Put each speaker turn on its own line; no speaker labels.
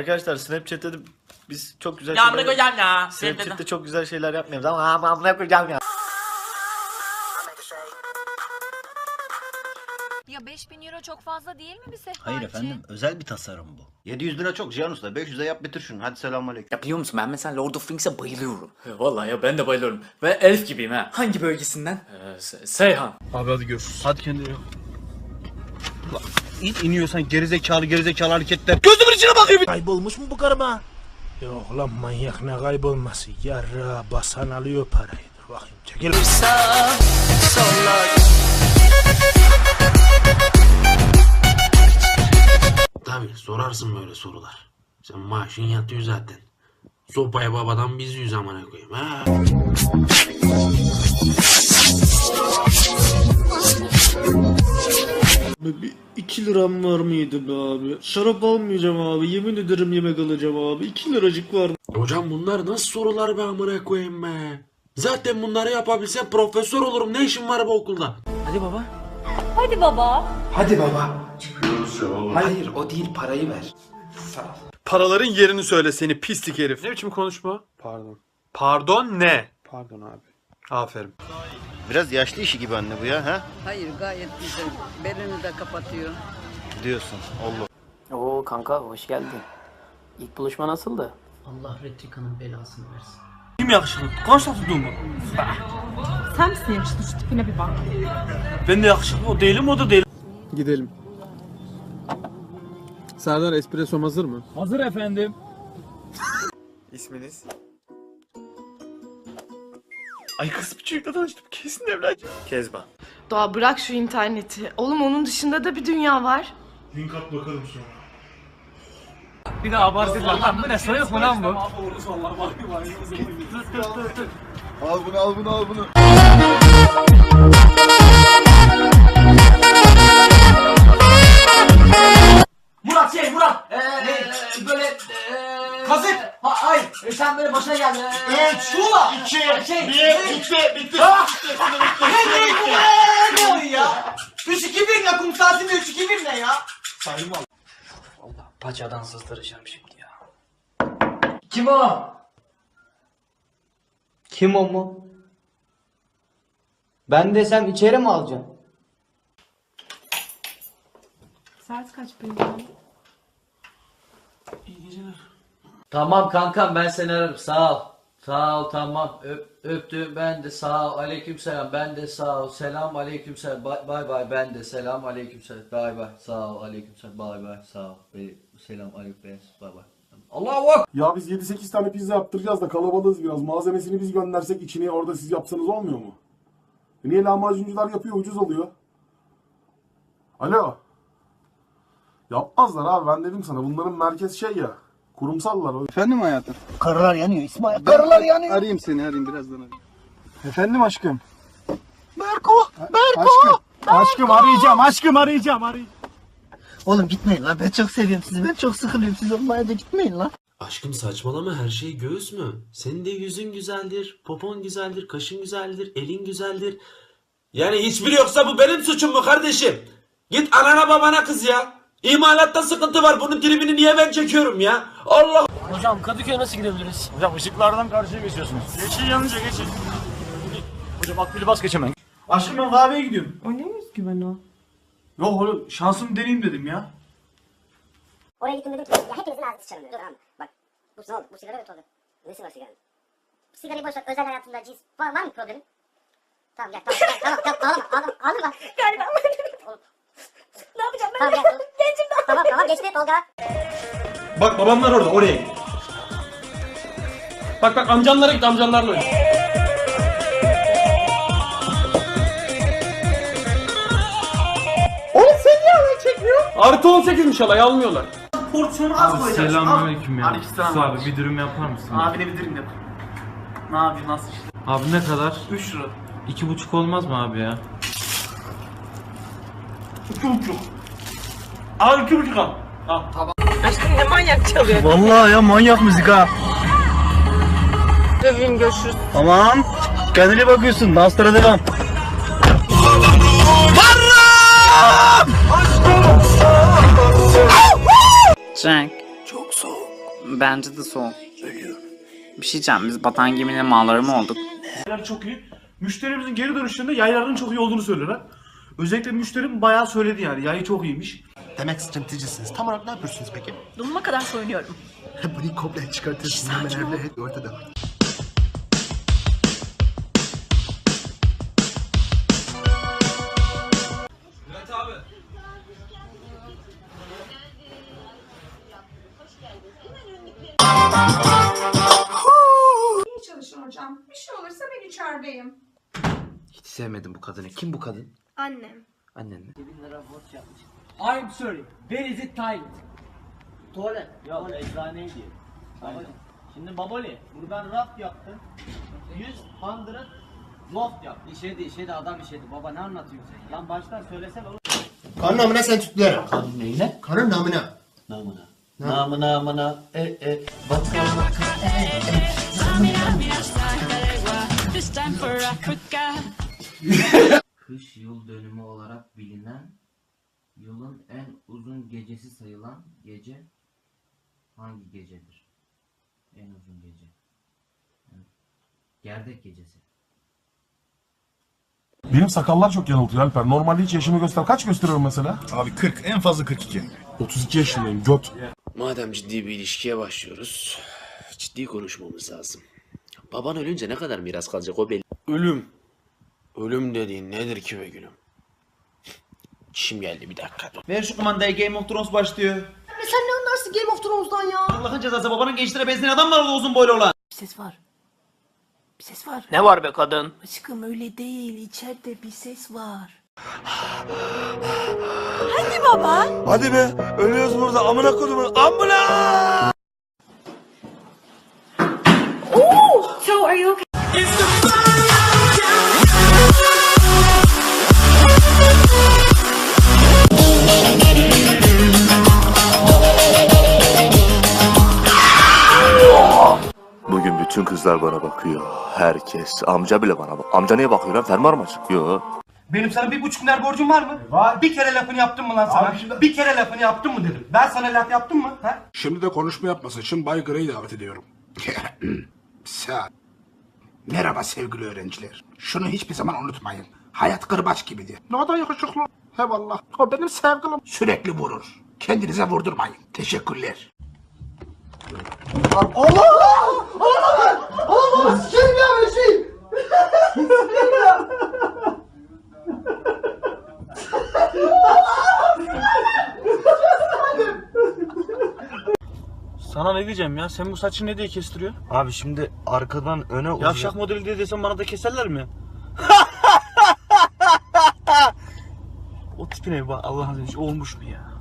Arkadaşlar Snapchat'te de biz çok güzel
Ya amına
şeyler...
koyacağım ya.
Snapchat'te çok güzel şeyler yapmıyoruz ama amına koyacağım ya.
Ya 5000 euro çok fazla değil mi bir sehpa
Hayır
için?
efendim, özel bir tasarım bu.
700 lira çok Cihan Usta. 500'e yap bitir şunu. Hadi selamünaleyküm.
Ya biliyor musun ben mesela Lord of Rings'e bayılıyorum. Vallahi ya ben de bayılıyorum. Ve elf gibiyim ha. Hangi bölgesinden? Seyhan.
Abi hadi görüşürüz. Hadi kendine yok. İniyorsan gerizekalı hareketler. Gözümün içine bakıyor bir.
Kaybolmuş mu bu karıma? Yok lan manyak ne kaybolması? Yarra basan alıyor parayı. Dur bakayım çekil.
Tabii sorarsın böyle sorular. Sen maaşın yatıyor zaten. Sopaya babadan biz yüz amına koyayım ha.
Bir 2 liram var mıydı be abi? Şarap almayacağım abi. Yemin ederim yemek alacağım abi. 2 liracık var.
Hocam bunlar nasıl sorular be amına koyayım be. Zaten bunları yapabilsem profesör olurum. Ne işim var bu okulda?
Hadi baba.
Hadi baba.
Hadi baba. Hayır o değil, parayı ver.
Paraların yerini söyle seni pislik herif. Ne biçim konuşma? Pardon. Pardon ne? Pardon abi. Aferin.
Biraz yaşlı işi gibi anne bu ya ha?
Hayır gayet güzel. Belini de kapatıyor.
Diyorsun. Allah.
Oo kanka hoş geldin. İlk buluşma nasıldı?
Allah Retrika'nın belasını versin.
Kim yakışıklı? Kaç tuttuğum mu?
Sen misin yakışıklı, şu tipine bir bak.
Ben de yakışıklı. O değilim, o da değil. Gidelim. Serdar espresso hazır mı?
Hazır efendim.
İsminiz? Ay kız bir çocukla tanıştım. Kesin evleneceğim. Kezban.
Doğa bırak şu interneti. Oğlum onun dışında da bir dünya var.
Link at bakalım sonra.
Bir daha abartırlar lan, bu ne soyuk mu lan bu?
Al bunu al bunu al bunu.
Murat böyle kazık. Hayır sen böyle başına gel. 3 2 1 bitti. Ne oluyor ya? 3-2-1 ya, kum saatinde 3-2-1 ne ya?
Sayım al.
Allah paçadan sızdıracağım şimdi ya.
Kim o?
Kim o mu? Ben desem içeri mi alacaksın?
Saat kaç benim?
Tamam kankam ben seni ararım, sağ ol. Sağ ol, tamam, öptüm ben de, sağ ol, aleykümselam, ben de sağ ol, selam aleykümselam, bay bay, ben de selam aleykümselam, bay bay, sağ ol, aleykümselam, bay bay, sağ ol, selam aleykümselam, bay bay. Allahu Akbar.
Ya biz 7-8 tane pizza yaptıracağız da kalabalığız biraz. Malzemesini biz göndersek içini orada siz yapsanız olmuyor mu? Niye lahmacuncular yapıyor, ucuz oluyor? Alo. Yapmazlar abi, ben dedim sana, bunların merkez şey ya. Kurumsallar.
Efendim hayatım?
Karılar yanıyor İsmail. Karılar yanıyor.
Arayayım seni, birazdan arayayım.
Efendim aşkım.
Aşkım arayacağım.
Oğlum gitmeyin lan, ben çok seviyorum sizi. Ben çok sıkılıyorum, siz olmaya da gitmeyin lan.
Aşkım saçmalama, her şey göğüs mü? Senin de yüzün güzeldir, popon güzeldir, kaşın güzeldir, elin güzeldir. Yani hiçbiri yoksa bu benim suçum mu kardeşim? Git anana babana kız ya. İmalatta sıkıntı var, bunun tribini niye ben çekiyorum ya? Allah.
Hocam Kadıköy'e nasıl gidebiliriz?
Hocam ışıklardan karşıya geçiyorsunuz. Geçin yanınca geçin.
Hocam akbili bas geçemem.
Aşkım ben kahveye gidiyorum.
O ne özgüven o?
Yok oğlum şansımı deneyeyim dedim ya.
Oraya gittim dedim ki ya hepinizin ağzı sıçarım dedim. Dur abi bak bu sigara kötü oldu. Nesi var sigaranın? Sigarayı boş ver, özel hayatında cins var mı problemin? Tamam gel tamam ağlama. Galiba. Ne yapacağım ben? Tamam gel. Gencim daha. Tamam geçti Tolga.
Bak babamlar orada, oraya git.
Bak amcanlara git, amcanlarla oyna. Artı 18'miş alay, almıyorlar.
Porsiyonu az koyacağız.
Selamünaleyküm ya.
Aleykümselam.
Abi bir dürüm yapar mısın?
Abine bir dürüm yap. Ne yapayım, nasıl işte?
Abi ne kadar?
3 lira.
2,5 olmaz mı abi ya?
2,5. Al 2,5 al. Al.
Aşkım ne manyak çalıyor.
Vallahi ya manyak müzik ha.
Döveyim görüşürüz.
Tamam. Kendine bakıyorsun. Danslara devam.
Jack.
Çok soğuk.
Bence de soğuk. Bir şey diyeceğim, biz batan geminin malları mı olduk?
Yaylar çok iyi. Müşterimizin geri dönüşlerinde yayların çok iyi olduğunu söylüyorlar. Özellikle müşterim bayağı söyledi yani. Yayı çok iyiymiş.
Demek stratejicisiniz. Tam olarak ne yapıyorsunuz peki?
Donuma kadar soyunuyorum.
Bunu komple çıkartırsın. Hemen evde ortada.
İyi çalışın hocam. Bir şey olursa ben içerideyim.
Hiç sevmedim bu kadını. Kim bu kadın?
Annem.
Annen mi?
I'm sorry. Where is it time?
Tuvalet. Ya eczaneydi. Aynen. Şimdi Baboli buradan raf yaptın. 100 loft yap. İşedi adam işedi. Baba ne anlatıyorsun sen? Lan baştan söylesene oğlum.
Karın namına sen tütlerim.
Neyine?
Karın namına.
Namına.
Namına Kış yıl dönümü olarak bilinen, yılın en uzun gecesi sayılan gece hangi gecedir? En uzun gece. Gerdek gecesi.
Benim sakallar çok yanıltıyor Alper. Normalde hiç yaşımı göster. Kaç gösteriyorum mesela?
Abi 40 en fazla 42.
32 yaşındayım. Göt.
Madem ciddi bir ilişkiye başlıyoruz, ciddi konuşmamız lazım. Baban ölünce ne kadar miras kalacak o belli. Ölüm. Ölüm dediğin nedir ki be gülüm? Çişim geldi bir dakika.
Ver şu kumandayı, Game of Thrones başlıyor.
Sen ne anlarsın Game of Thrones'dan ya?
Allah'ın cezası, babanın gençlere benzeyen adam var orada uzun boylu olan.
Bir ses var. Bir ses var.
Ne var be kadın?
Aşkım öyle değil. İçeride bir ses var.
Hadi be ölüyoruz burada amına kodumun amına.
So are you okay?
Bugün bütün kızlar bana bakıyor. Herkes. Amca bile bana bak. Amca niye bakıyor lan? Fermuar mı açık? Yo.
Benim sana 1,5 milyar borcum var mı? Var. Bir kere lafını yaptın mı lan sana? Bir kere lafını yaptın mı dedim. Ben sana laf yaptım mı? Ha?
Şimdi de konuşma yapmasın. Şimdi Bay Grey'i davet ediyorum. Merhaba sevgili öğrenciler. Şunu hiçbir zaman unutmayın. Hayat kırbaç gibidir. Ne da yakışıklı. Eyvallah. O benim sevgilim. Sürekli vurur. Kendinize vurdurmayın. Teşekkürler.
Sana ne diyeceğim ya? Sen bu saçı ne diye kestiriyorsun?
Abi şimdi arkadan öne uzun.
Yavşak modeli diye desem bana da keserler mi? O tipine bir bak, Allah'ın izniyle olmuş mu ya?